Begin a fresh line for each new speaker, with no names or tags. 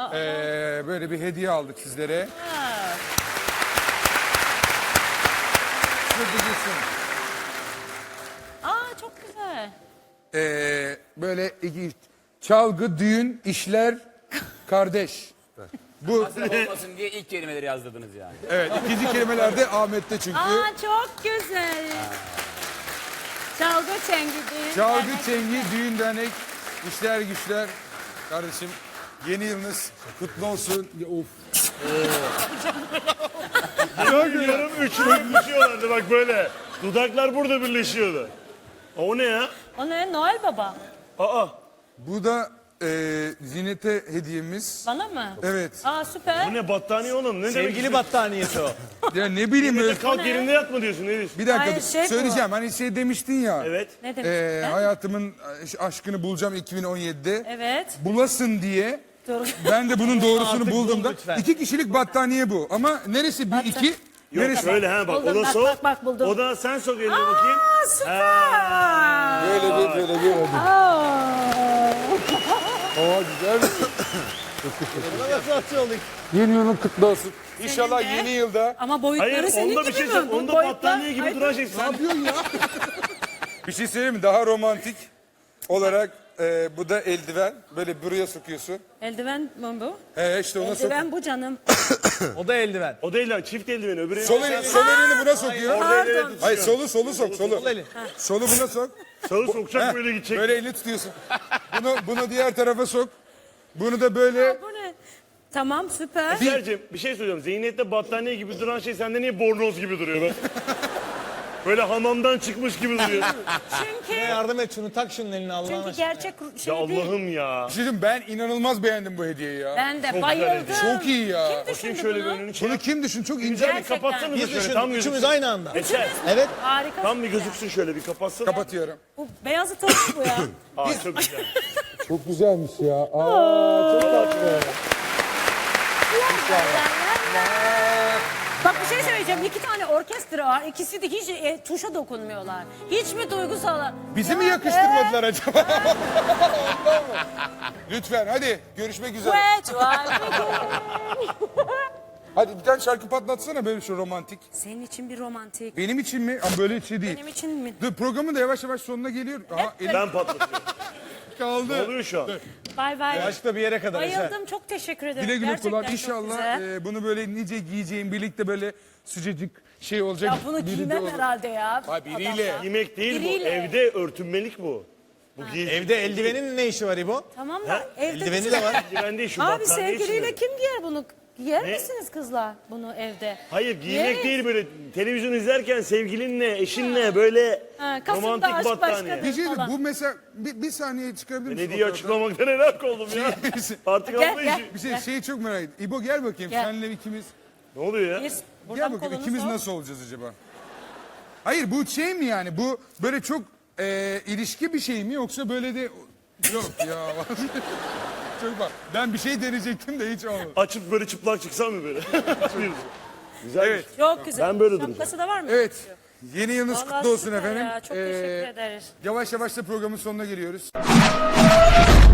Böyle bir hediye aldık sizlere.
Aa çok güzel.
Böyle çalgı, düğün, işler, kardeş. Bu
Olmasın diye ilk kelimeleri yazdırdınız yani.
evet ikinci kelimelerde Ahmet'te çünkü.
Aa çok güzel. Çalgı çengi düğün.
Çalgı,
dernek.
çengi, düğün, dernek, işler, güçler. Kardeşim yeni yılınız kutlu olsun. Ya, of.
Biliyorum üçlü birleşiyorlardı bak böyle. Dudaklar burada birleşiyordu. O ne ya?
O ne? Noel Baba.
Aa.
Bu da Zinet'e hediyemiz.
Bana mı?
Evet.
Aa süper.
Bu ne battaniye oğlum? Ne demek?
Sevgili battaniyesi o.
Ya ne bileyim öyle.
Kalk yerinde yatma diyorsun ne diyorsun?
Bir dakika
Hayır, şey bu.
söyleyeceğim. Hani şey demiştin ya.
Evet.
Ne demek?
Hayatımın aşkını bulacağım 2017'de.
Evet.
Bulasın diye.
Doğru.
Ben de bunun doğrusunu
Artık
buldum
bul
da.
lütfen.
2 kişilik battaniye bu. Ama neresi bir iki?
Yok
Neresi?
şöyle ha bak.
Buldum,
O da
bak,
sok.
bak, bak, buldum.
O da sen sok elini bakayım.
Aa süper.
Böyle bir hadi. Aa güzel.
Nasıl atıyorduk?
Yeni yılın kutlu olsun. İnşallah yeni yılda.
Ama boyutları
Hayır
senin
onda
gibi
bir şey
mi?
sen.
Bu
Onda
boyutlar-
battaniye gibi
Hayır,
duran şey sen.
Bir şey söyleyeyim mi? Daha romantik olarak bu da eldiven. Böyle buraya sokuyorsun.
Eldiven mi bu?
İşte ona sok.
Eldiven bu canım.
O da eldiven.
O değil lan çift eldiveni öbürü.
Sol elini buna sokuyor.
Orada elini
Pardon.
Hayır solu sok solu.
Sol eli.
Solu buna sok.
Sağı sokacak
Heh,
böyle gidecek.
Böyle elini tutuyorsun. Bunu diğer tarafa sok. Bunu da böyle.
Bu ne? Tamam süper.
Sercim bir şey söyleyeceğim. Zihniyette battaniye gibi duran şey sende niye bornoz gibi duruyor lan? Böyle hamamdan çıkmış gibi duruyor.
Çünkü
Yardım et şunu tak şunun eline Allah'ın
çünkü
aşkına.
gerçek
Ya
şey değil.
Allah'ım ya.
Bir şey diyeyim, ben inanılmaz beğendim bu hediyeyi ya.
Ben de
güzel
bayıldım.
hediye.
Çok iyi ya.
Kim
Bakayım
düşündü
şöyle bir
bunu?
önünü
Bunu
çek.
kim düşün? Çok ince.
Güzel bir
Gerçekten.
kapatsanıza
Biz
şöyle
düşündük
tam
üçümüz
gözüksün.
aynı anda.
Eser.
Evet.
Harika.
Tam bir gözüksün şöyle bir kapatsın.
Kapatıyorum.
Bu beyazı tavuk bu ya.
Aa çok güzel.
Çok güzelmiş ya. Aa, çok tatlı.
Bak bir şey söyleyeceğim. 2 tane orkestra var. İkisi de hiç tuşa dokunmuyorlar. Hiç mi duygusal?
Bizi mi yakıştırmadılar acaba? Ondan mı? Lütfen hadi görüşmek üzere. Hadi bir tane şarkı patlatsana böyle şu romantik.
Senin için bir romantik.
Benim için mi? Ama böyle şey değil.
Benim için mi?
Dur programın da yavaş yavaş sonuna geliyor. Aha elim
Ben patlatıyorum.
kaldı.
Ne oluyor şu an?
Bay bay.
Başta bir yere kadar Eser.
Bayıldım. Çok teşekkür ederim.
Güle güle
Gerçekten
kullan.
çok
İnşallah
güzel.
bunu böyle nice giyeceğin birlikte böyle sıcacık şey olacak.
Ya bunu
biri de
giymem
olur.
herhalde ya.
Ha, biriyle.
Adamlar.
Yemek değil
Biriyle.
bu. Evde örtünmelik bu. Bu giy.
Evde eldivenin ne işi var İbo?
Tamam da evde
Eldiveni de var.
Eldiven değil şu
Abi
battaniye
sevgiliyle
içinde.
kim giyer bunu? Giyer
Ne?
misiniz kızlar bunu evde?
Hayır giymek
Yes.
değil böyle televizyon izlerken sevgilinle eşinle böyle
Ha, Kasım'da
romantik
aşk
battaniye.
başka
Bir şey
falan.
bu mesela bir saniye çıkarabilir misin?
Ne diye açıklamaktan helak oldum ya. Artık
Gel,
anla
gel.
işi.
Bir şeyi çok merak ettim. İbo gel bakayım
Gel.
senle ikimiz.
Ne oluyor ya?
Bir,
Gel
buradan
bakayım
kolunu
ikimiz
sok.
nasıl olacağız acaba? Hayır bu şey mi yani? Bu böyle çok ilişki bir şey mi yoksa böyle de yok ya. Çok bak. Ben bir şey deneyecektim de hiç olmadı.
Açıp böyle çıplak çıksam mı böyle? Güzel.
Evet.
Çok güzel.
Ben böyle duracağım.
Şapkası da var mı?
Evet. Yeni yılınız
Vallahi
kutlu olsun
süper
efendim.
ya, çok teşekkür ederiz.
Yavaş yavaş da programın sonuna geliyoruz.